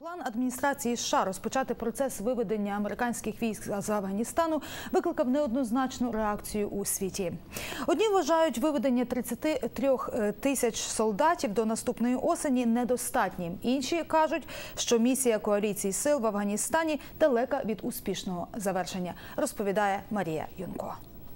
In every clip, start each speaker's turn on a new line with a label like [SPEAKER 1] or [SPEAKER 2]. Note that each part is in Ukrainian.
[SPEAKER 1] План адміністрації США розпочати процес виведення американських військ з Афганістану викликав неоднозначну реакцію у світі. Одні вважають виведення 33 тисяч солдатів до наступної осені недостатнім. Інші кажуть, що місія коаліції сил в Афганістані далека від успішного завершення, розповідає Марія Юнко.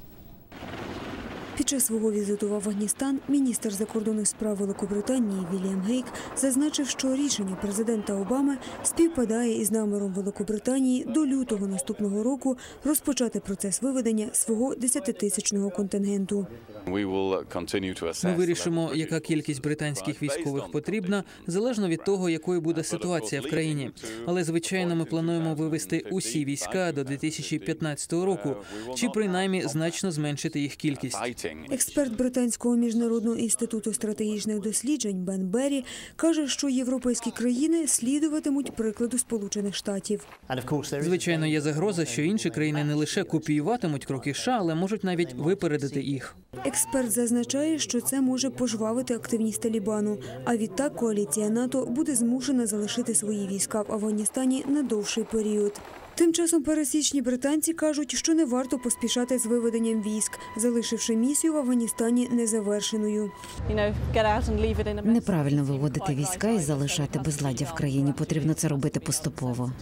[SPEAKER 2] Під час свого візиту в Афганістан міністр закордонних справ Великобританії Вільям Гейк зазначив, що рішення президента Обами співпадає із наміром Великобританії до лютого наступного року розпочати процес виведення свого 10-тисячного контингенту.
[SPEAKER 3] Ми вирішимо, яка кількість британських військових потрібна, залежно від того, якою буде ситуація в країні. Але, звичайно, ми плануємо вивести усі війська до 2015 року, чи принаймні значно зменшити їх кількість.
[SPEAKER 2] Експерт Британського міжнародного інституту стратегічних досліджень Бен Беррі каже, що європейські країни слідуватимуть прикладу Сполучених Штатів.
[SPEAKER 3] Звичайно, є загроза, що інші країни не лише копіюватимуть кроки США, але можуть навіть випередити їх.
[SPEAKER 2] Експерт зазначає, що це може пожвавити активність Талібану, а відтак коаліція НАТО буде змушена залишити свої війська в Афганістані на довший період. Тим часом пересічні британці кажуть, що не варто поспішати з виведенням військ, залишивши місію в Афганістані незавершеною.
[SPEAKER 4] Неправильно виводити війська і залишати безладдя в країні. Потрібно це робити поступово.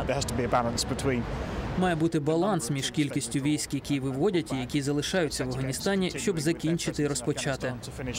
[SPEAKER 3] Має бути баланс між кількістю військ, які виводять і які залишаються в Афганістані, щоб закінчити і розпочати.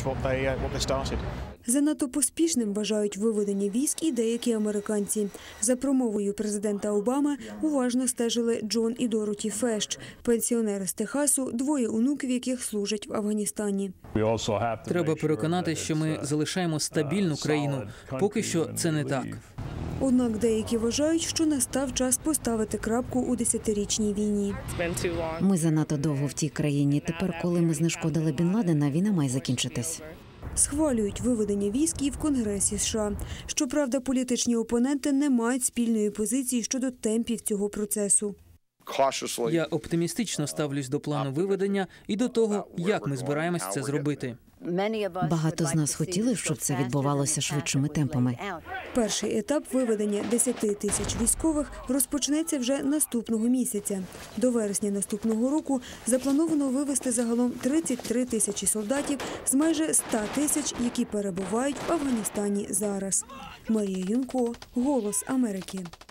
[SPEAKER 2] Занадто поспішним вважають виведення військ і деякі американці. За промовою президента Обами уважно стежили Джон і Дороті Фещ, пенсіонери з Техасу, двоє онуків яких служать в Афганістані.
[SPEAKER 3] Треба переконати, що ми залишаємо стабільну країну. Поки що це не так.
[SPEAKER 2] Однак деякі вважають, що настав час поставити крапку у 10-річній війні.
[SPEAKER 4] Ми занадто довго в тій країні. Тепер, коли ми знешкодили Бін Ладена, війна має закінчитись.
[SPEAKER 2] Схвалюють виведення військ і в Конгресі США. Щоправда, політичні опоненти не мають спільної позиції щодо темпів цього процесу.
[SPEAKER 3] Я оптимістично ставлюсь до плану виведення і до того, як ми збираємось це зробити.
[SPEAKER 4] Багато з нас хотіли, щоб це відбувалося швидшими темпами.
[SPEAKER 2] Перший етап виведення 10 тисяч військових розпочнеться вже наступного місяця. До вересня наступного року заплановано вивести загалом 33 тисячі солдатів з майже 100 тисяч, які перебувають в Афганістані зараз. Марія Юнко, «Голос Америки».